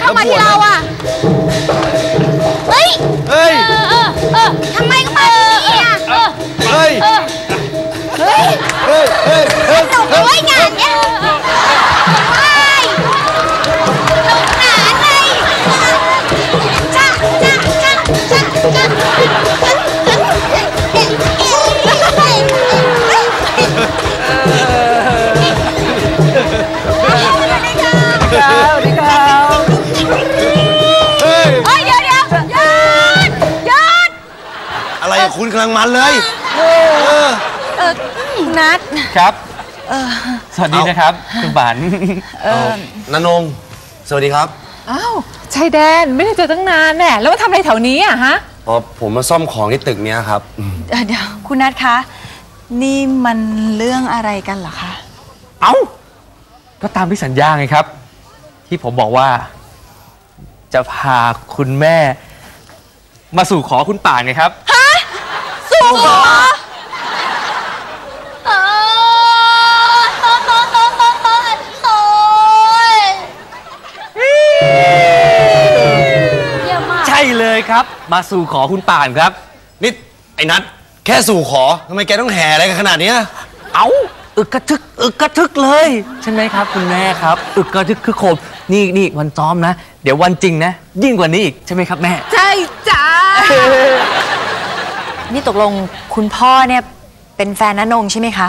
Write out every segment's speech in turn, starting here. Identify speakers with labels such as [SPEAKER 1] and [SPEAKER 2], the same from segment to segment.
[SPEAKER 1] เข้ามาที่เราอ่ะเฮ้ยทำไมก็มาที่นี่อ่ะเฮ้ยสนุกเลยงานเนี้ย
[SPEAKER 2] อะไรคุณกำลังมันเลย
[SPEAKER 3] นัด
[SPEAKER 4] ครับสวัสดีนะครับคุณบาน
[SPEAKER 2] ณนงสวัสดีครับ
[SPEAKER 3] อ้าวชายแดนไม่ได้เจอตั้งนานแน่แล้วมาทำอะไรแถวนี้อะฮะ
[SPEAKER 2] อ๋อผมมาซ่อมของที่ตึกเนี้ยครับ
[SPEAKER 5] เดี๋ยวคุณนัทคะนี่มันเรื่องอะไรกันเหรอคะ
[SPEAKER 4] เอ้าก็ตามที่สัญญาไงครับที่ผมบอกว่าจะพาคุณแม่มาสู่ขอคุณป่านไงครับ
[SPEAKER 1] ฮะสู่ขอ
[SPEAKER 4] ใช่เลยครับมาสู่ขอคุณป่านครับ
[SPEAKER 2] นี่ไอ้นัทแค่สู่ขอทำไมแกต้องแห่อะไรกันขนาดนี้
[SPEAKER 4] เอ้าอึกกระทึกเลยใช่ไหมครับคุณแม่ครับอึกกระทึกคือโคมนี่วันซ้อมนะเดี๋ยววันจริงนะยิ่งกว่านี้อีกใช่ไหมครับแม่
[SPEAKER 3] ใช่จ้า
[SPEAKER 5] นี่ตกลงคุณพ่อเนี่ยเป็นแฟนณนงใช่ไหมคะ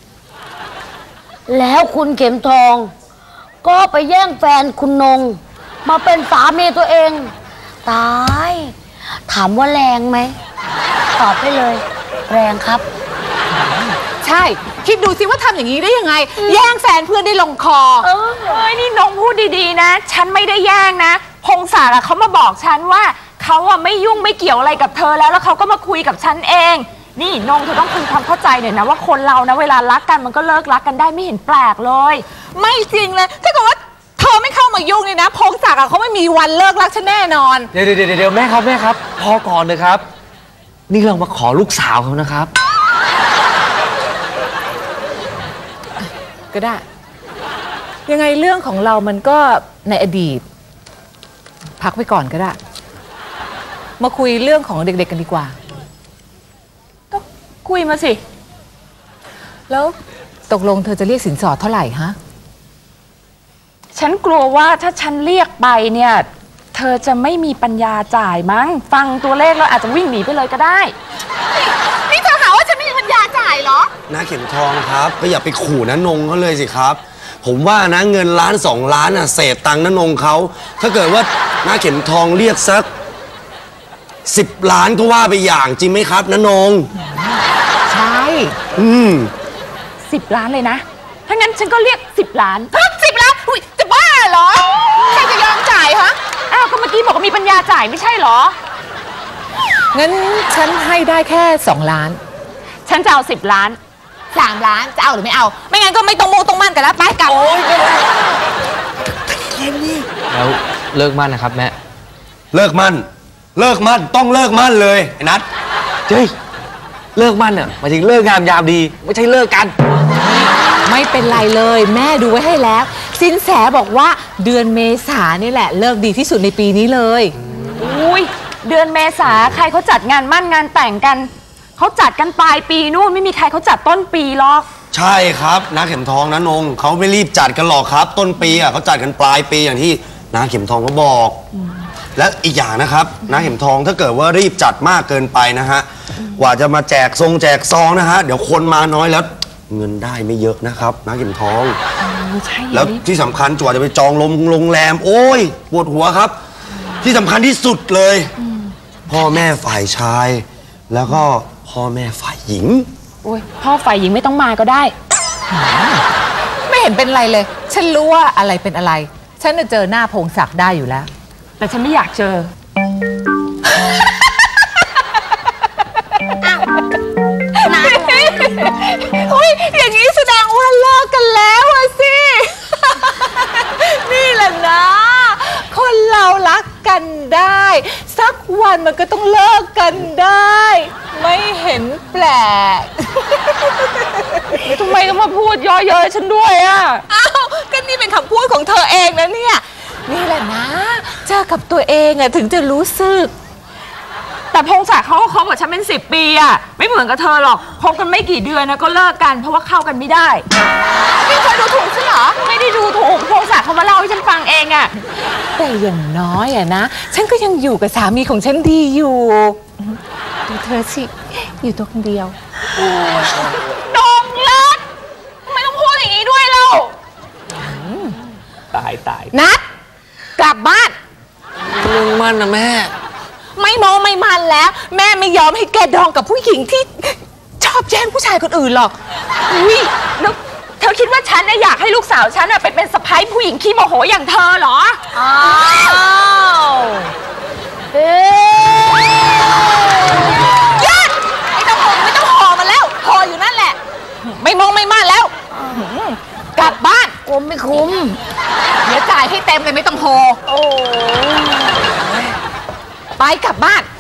[SPEAKER 1] แล้วคุณเข็มทองก็ไปแย่งแฟนคุณนงมาเป็นสามีตัวเองตายถามว่าแรงไหมตอบได้เลยแรงครับ
[SPEAKER 3] ใช่คิดดูสิว่าทำอย่างนี้ได้ยังไงแย่งแฟนเพื่อนได้ลงคอ
[SPEAKER 6] นี่น้องพูดดีๆนะฉันไม่ได้แย่งนะพงศาลเขามาบอกฉันว่าเขาไม่ยุ่งไม่เกี่ยวอะไรกับเธอแล้วเขาก็มาคุยกับฉันเองนี่น้องเธอต้องคุยความเข้าใจหน่อยนะว่าคนเรานะเวลารักกันมันก็เลิกรักกันได้ไม่เห็นแปลกเลย
[SPEAKER 3] ไม่จริงเลยถ้าเกิดว่าเธอไม่เข้ามายุ่งนี่นะพงศักดิ์เขาไม่มีวันเลิกรักฉันแน่นอน
[SPEAKER 4] เดี๋ยวแม่ครับพอก่อนเลยครับนี่เรามาขอลูกสาวเขานะครับ
[SPEAKER 3] ก็ได้ยังไงเรื่องของเรามันก็ในอดีตพักไปก่อนก็ได้มาคุยเรื่องของเด็กๆกันดีกว่า
[SPEAKER 6] ก็คุยมาสิ
[SPEAKER 3] แล้วตกลงเธอจะเรียกสินสอดเท่าไหร่ฮะ
[SPEAKER 6] ฉันกลัวว่าถ้าฉันเรียกไปเนี่ยเธอจะไม่มีปัญญาจ่ายมั้งฟังตัวเลขแล้วอาจจะวิ่งหนีไปเลยก็ได้
[SPEAKER 3] นี่เธอหาว่าฉันไม่มีปัญญาจ่ายเหรอ
[SPEAKER 2] น้าเข็มทองครับก็อย่าไปขู่ณนงเขาเลยสิครับผมว่านะเงิน1 2 ล้านเศษตังค์ณนงเขาถ้าเกิดว่าน้าเข็มทองเรียกสัก10 ล้านก็ว่าไปอย่างจริงไหมครับณนง
[SPEAKER 3] ใช่
[SPEAKER 6] 10 ล้านเลยนะถ้างั้นฉันก็เรียก10 ล้าน
[SPEAKER 3] 10 ล้านอุ้ยจะบ้าเหรอใครจะยอมจ่ายฮะ
[SPEAKER 6] อ้าวก็เมื่อกี้บอกว่ามีปัญญาจ่ายไม่ใช่เหรอ
[SPEAKER 3] งั้นฉันให้ได้แค่2 ล้าน
[SPEAKER 6] ฉันจะเอา10 ล้าน
[SPEAKER 3] 3 ล้านจะเอาหรือไม่เอาไม่งั้นก็ไม่ต้องมั่นกันแล้วไปกลับ
[SPEAKER 2] โอ๊ย
[SPEAKER 4] แล้วเลิกมั่นนะครับแม่
[SPEAKER 2] เลิกมั่นต้องเลิกมั่นเลยไอ้นัท
[SPEAKER 4] เฮ้ยเลิกมั่นหมายถึงเลิกงามยามดีไม่ใช่เลิกกัน
[SPEAKER 3] ไม่เป็นไรเลยแม่ดูไว้ให้แล้วสินแสบอกว่าเดือนเมษานี่แหละเลิกดีที่สุดในปีนี้เลย
[SPEAKER 6] อุ้ยเดือนเมษาใครเขาจัดงานมั่นงานแต่งกันเขาจัดกันปลายปีนู่นไม่มีใครเขาจัดต้นปีหรอก
[SPEAKER 2] ใช่ครับน้าเข็มทองณนงเขาไม่รีบจัดกันหรอกครับต้นปีเขาจัดกันปลายปีอย่างที่น้าเข็มทองเขาบอกและอีกอย่างนะครับน้าเข็มทองถ้าเกิดว่ารีบจัดมากเกินไปนะฮะกว่าจะมาแจกซองนะฮะเดี๋ยวคนมาน้อยแล้วเงินได้ไม่เยอะนะครับน้าเข็มทองแล้วที่สำคัญกว่าจะไปจองโรงแรมโอ้ยปวดหัวครับที่สำคัญที่สุดเลยพ่อแม่ฝ่ายชายแล้วก็พ่อแม่ฝ่ายหญิง
[SPEAKER 6] โอ้ยพ่อฝ่ายหญิงไม่ต้องมาก็ได้
[SPEAKER 3] ไม่เห็นเป็นไรเลยฉันรู้ว่าอะไรเป็นอะไรฉันจะเจอหน้าพงศักดิ์ได้อยู่แล้ว
[SPEAKER 6] แต่ฉันไม่อยากเจอ
[SPEAKER 3] อุ้ยอย่างนี้แสดงว่าเลิกกันแล้วอะสินี่แหละนะคนเรารักกันได้สักวันมันก็ต้องเลิกกันได้ไม่เห็นแปลก
[SPEAKER 6] ทำไมต้องมาพูดย่อเย้ยฉันด้วยอ่ะ
[SPEAKER 3] อ้าวก็นี่เป็นคำพูดของเธอเองนะเนี่ยนี่แหละนะอกับตัวเองอะถึงจะรู้สึก
[SPEAKER 6] แต่พงศักดิ์เขาก็คบกับฉันเป็น10 ปีอะไม่เหมือนกับเธอหรอกคบกันไม่กี่เดือนนะก็เลิกกันเพราะว่าเข้ากันไม่ได้นี่เธอดูถูกฉันเหรอไม่ได้ดูถูกพงศักดิ์เขามาเล่าให้ฉันฟังเองอะ
[SPEAKER 3] แต่อย่างน้อยอะนะฉันก็ยังอยู่กับสามีของฉันดีอยู่ดูเธอสิอยู่ตัวคนเดียว
[SPEAKER 6] ดงรักทำไมต้องพูดอย่างนี้ด้วยเล่า
[SPEAKER 4] ตาย
[SPEAKER 3] นัดกลับบ้าน
[SPEAKER 4] มึงมันนะแม่
[SPEAKER 3] ไม่มองไม่มันแล้ว แม่ไม่ยอมให้แกดองกับผู้หญิงที่ชอบแย่งผู้ชายคนอื่นหรอก
[SPEAKER 6] อุ้ยแล้วเธอคิดว่าฉันน่ะอยากให้ลูกสาวฉันน่ะไปเป็นสะใภ้ผู้หญิงขี้โมโหอย่างเธอเหรอ
[SPEAKER 1] อ้าวเอ๊ะ
[SPEAKER 3] หยุดไม่ต้องห่อมันแล้วห่ออยู่นั่นแหละ ไม่มองไม่มันแล้วกลับบ้าน
[SPEAKER 1] กลัวไม่คุ้ม
[SPEAKER 3] เดี๋ยวจ่ายให้เต็มเลยไม่ต้องห่อ
[SPEAKER 1] โอ้
[SPEAKER 3] ไปกลับบ้าน